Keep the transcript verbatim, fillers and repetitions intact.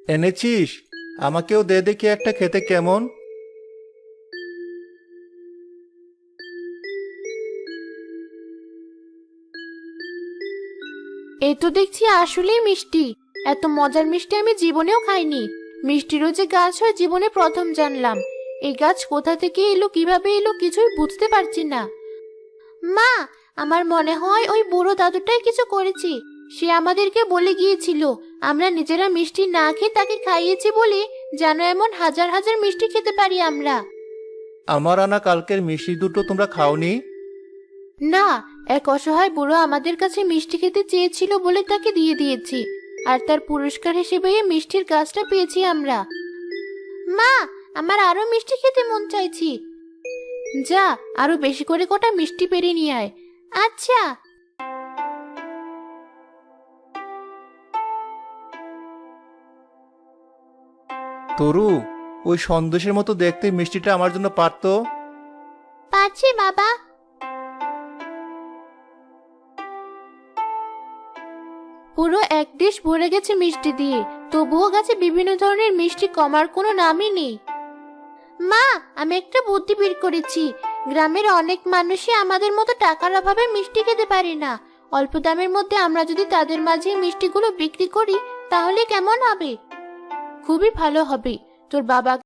এনেছিস? আমাকেও দে দেখি একটা খেতে কেমন। এই তো দেখছি আসলেই মিষ্টি। এত মজার মিষ্টি আমি জীবনেও খাইনি। মিষ্টিরও যে গাছ হয় জীবনে প্রথম জানলাম। এই গাছ কোথা থেকে এলো, কিভাবে এলো কিছুই বুঝতে পারছি না। মা, আমার মনে হয় ওই বুড়ো দাদুটাই কিছু করেছে। সে আমাদেরকে বলে গিয়েছিল আমরা নিজেরা মিষ্টি না খেয়ে তাকে খাইয়েছি বলে যেন এমন হাজার হাজার মিষ্টি খেতে পারি আমরা। আমার আনা কালকের মিষ্টি দুটো তোমরা খাওনি? না, এক অসহায় বুড়ো আমাদের কাছে মিষ্টি খেতে চেয়েছিল বলে তাকে দিয়ে দিয়েছি। আর তার পুরস্কার হিসেবে এই মিষ্টির গাছটা পেয়েছি আমরা। মা, আমার আরো মিষ্টি খেতে মন চাইছি। যা, আরো বেশি করে কটা মিষ্টি পেরে নিয়ে আয়। আচ্ছা। তরু, ওই সন্দেশের মতো দেখতে মিষ্টিটা আমার জন্য পারতো? পাচ্ছি বাবা। পুরো এক ডিশ ভরে গেছে মিষ্টি দিয়ে, তবুও গাছে বিভিন্ন ধরনের মিষ্টি কমার কোনো নামই নেই। মা, আমি একটা বুদ্ধি বের করেছি। গ্রামের অনেক মানুষই আমাদের মতো টাকার অভাবে মিষ্টি খেতে পারে না। অল্প দামের মধ্যে আমরা যদি তাদের মাঝে এই মিষ্টিগুলো বিক্রি করি তাহলে কেমন হবে? খুবই ভালো হবে। তোর বাবা